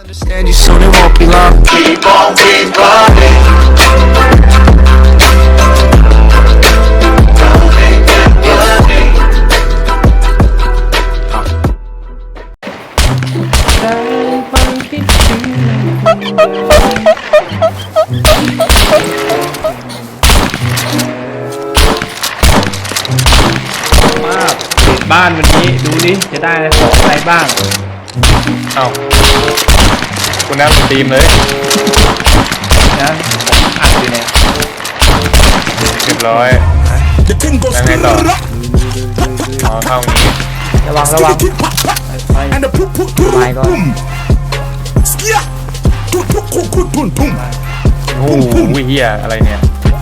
Understand you soon, it won't be long. Keep on keep running. บ้านวันนี้ดูดิจะได้ของอะไรบ้างเอ้าคุณน้ำสตรีมเลยนะอัดอยู่เนี่ยเรียบร้อยแล้วไงต่ออ๋อเข้านี้ระวังไปก่อนโอ้โหเฮียอะไรเนี่ย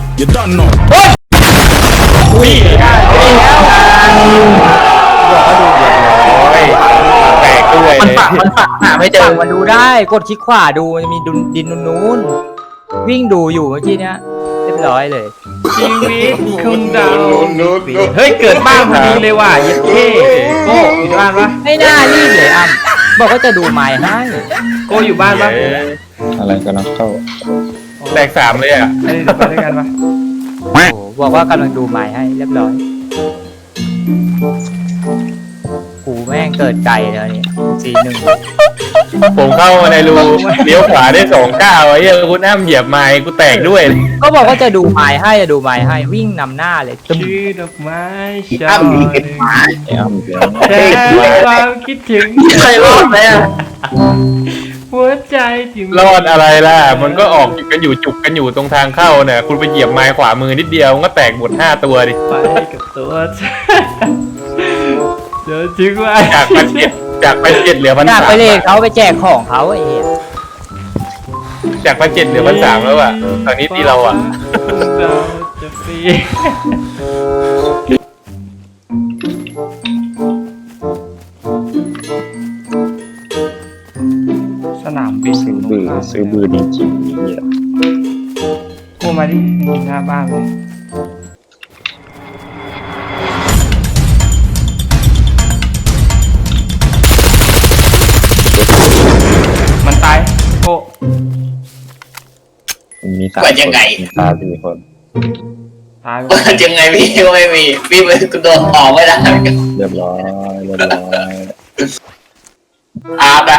อุ้ยได้แล้วบอกว่าดูเดือดร้อยแตกด้วยมันฝักหาไม่เจอมาดูได้กดคลิกขวาดูมันมีดินนู้นวิ่งดูอยู่เมื่อกี้เนี้ยเรียบร้อยเลยชีวิตคุณดาวเฮ้ยเกิดบ้านพอดีเลยว่ะเย็ดเท่โก้อยู่บ้านปะไม่น่ารีบเลยอ้ำบอกว่าจะดูไม้ให้โก้อยู่บ้านปะอะไรกำลังเข้าแตก3เลยอ่ะไปด้วยกันปะโอ้บอกว่ากำลังดูไม้ให้เรียบร้อยกูแม่งเกิดไก่แล้วนี่41 ผมเข้ามาในรูเลี้ยวขวาได้2 ก้าวไอ้เหี้ยคุณน้ำเหยียบไม้กูแตกด้วยก็บอกว่าจะดูไม้ให้วิ่งนำหน้าเลยชื่อดอกไม้ชอบแค่ความคิดถึงใครรอดไหมอ่ะหัวใจที่รอดอะไรล่ะมันก็ออกกันอยู่จุกกันอยู่ตรงทางเข้าเนี่ยคุณไปเหยียบไม้ขวามือนิดเดียวมันก็แตกหมด5 ตัวดิไปกับตัวเดี๋ยวจริงว่าจาก1,700เหลือ1,300 ไปเลยเขาไปแจกของเขาไอ้เหี้ยจาก1,700เหลือ1,300แล้วอ่ะตอนนี้ตีเราอ่ะเราจะฟรีสนามบินซื้อบือจริงๆเนี่ยโอ้มาดิหน้าบ้านเลยมันตายโอ้มีตายังไงตา4 คนตายยังไงพี่ก็ไม่มีพี่มันโดนออกไม่ได้เรียบร้อยอาบนะ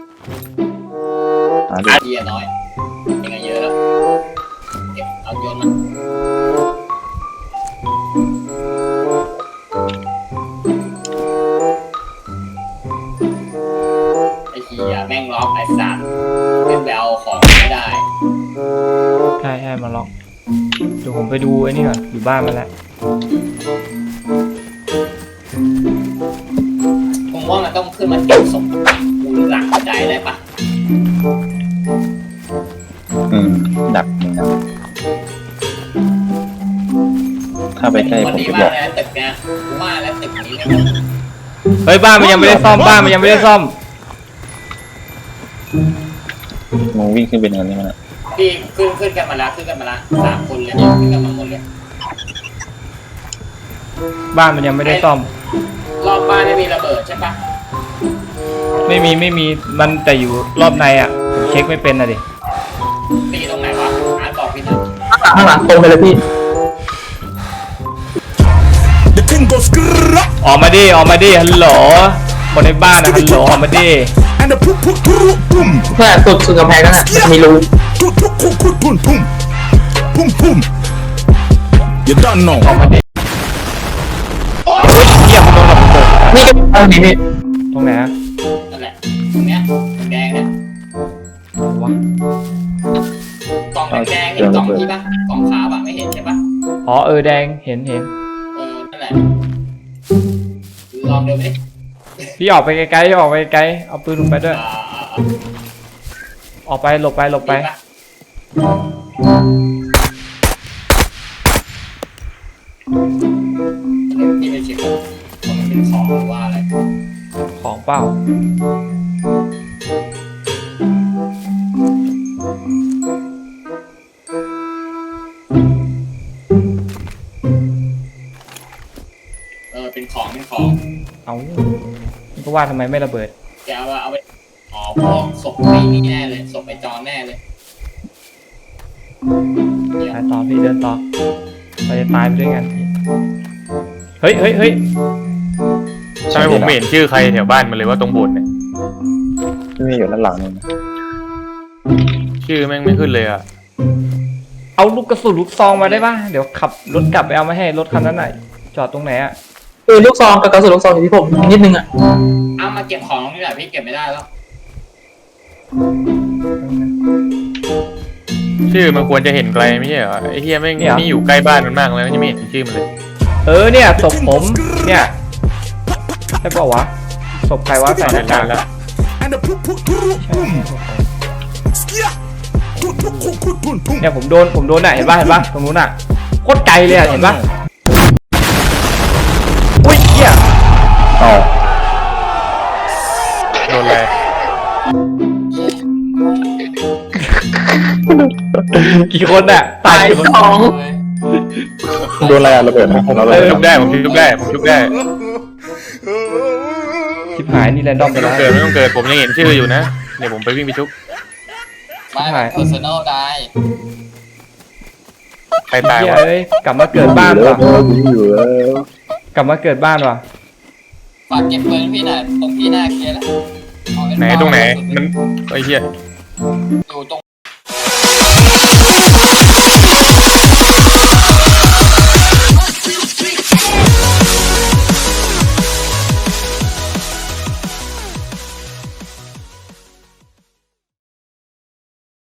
อาเดียน้อยยังไงเยอะแล้วเก็บเอาโยนมันไอ้เหี้ยแม่งล็อกไอ้สัตว์เป็นแบลของไม่ได้ใช่มาล็อกเดี๋ยวผมไปดูไอ้นี่ก่อนอยู่บ้านมาแล้วผมว่ามันต้องขึ้นมาเก็บศพกูหลังใจได้ปะดักถ้าไปใกล้ผมจะบอกตึกเนี่ยว่าแล้วตึกนี้เฮ้ยบ้านมันยังไม่ได้ซ่อมมึงวิ่งขึ้นเป็นอะไรมาพี่ขึ้นกันมาแล้ว3 คนเลยขึ้นกันมาหมดเลยบ้านมันยังไม่ได้ซ่อมรอบบ้านไม่มีระเบิดใช่ปะไม่มีมันแต่อยู่รอบในอ่ะผมเช็คไม่เป็นนะดิตีตรงไหนวะบอกพี่นะข้างหลังตรงไปเลยพี่ออกมาดิฮัลโหลคนในบ้านนะฮัลโหลออกมาดิเพื่อสุดกำแพงนั่นน่ะมีรู You don't know ออกมาดิเยี่ยมตรงระเบิดนี่ก็ตรงนี้พี่ตรงไหนฮะนั่นแหละตรงเนี้ยแดงเนี่ยวะกล่องแดงเห็นกล่องที่ปะกล่องขาวอะไม่เห็นใช่ปะอ๋อแดงเห็นนั่นแหละลองเดินไปพี่ออกไปไกลเอาปืนลงไปด้วยออกไปหลบไปนี่ไม่ใช่มันเป็นของหรือว่าอะไรของเปล่าเป็นของเอาก็ว่าทำไมไม่ระเบิดแกเอาไปอ๋อศพไอ้นี่แน่เลยศพไอ้จอนแน่เลยเดี๋ยวไปต่อพี่เดินต่อเราจะตายไปด้วยกันเฮ้ยเฮ้ยเฮ้ยทำไมผมไม่เห็นชื่อใครแถวบ้านมันเลยว่าตรงโบสถ์เนี่ยไม่อยู่ด้านหลังนี่นะชื่อแม่งไม่ขึ้นเลยอะเอาลูกกระสุนลูกซองมาได้ป่ะเดี๋ยวขับรถกลับไปเอามาให้รถคันนั้นไหนจอดตรงไหนอะลูกซองกับกระสุนลูกซองอยู่ที่ผมนิดนึงอ่ะเอามาเก็บของนี่แหละพี่เก็บไม่ได้แล้วชื่อมันควรจะเห็นไกลไม่ใช่เหรอไอ้เฮียแม่งนี่อยู่ใกล้บ้านมันมากแล้วยังไม่เห็นชื่อมันเลยเนี่ยศพผมเนี่ยใช่ป่าวะศพใครวะใส่หน้ากากแล้วเนี่ยผมโดนน่ะเห็นป่ะตรงนู้นน่ะโคตรไกลเลยอะเห็นป่ะอุ้ยเหี้ยอ๋อโดนอะไรกี่คนน่ะตายกี่คนโดนอะไรอะระเบิดนะเราระผมเบิดชุบได้ผมชุบได้ผมชุบได้ชิบหายนี่แรนดอมไปไม่ต้แล้องวเกิดไม่ต้องเกิดผมยังเห็นชื่ออยู่นะเดี๋ยวผมไปวิ่งไปชุบไม่ personal ได้ใครตายเหี้ยวะเอ้ยกลับมาเกิดบ้านอยู่ว่ะแล้วอยู่แล้วกลับมาเกิดบ้านว่ะฝากเก็บปืนพี่หน่อยตรงพี่หน้าเคลียร์แล้วเอาว้ไหนตรงไหนมันไอ้เหี้ยอยู่ตรง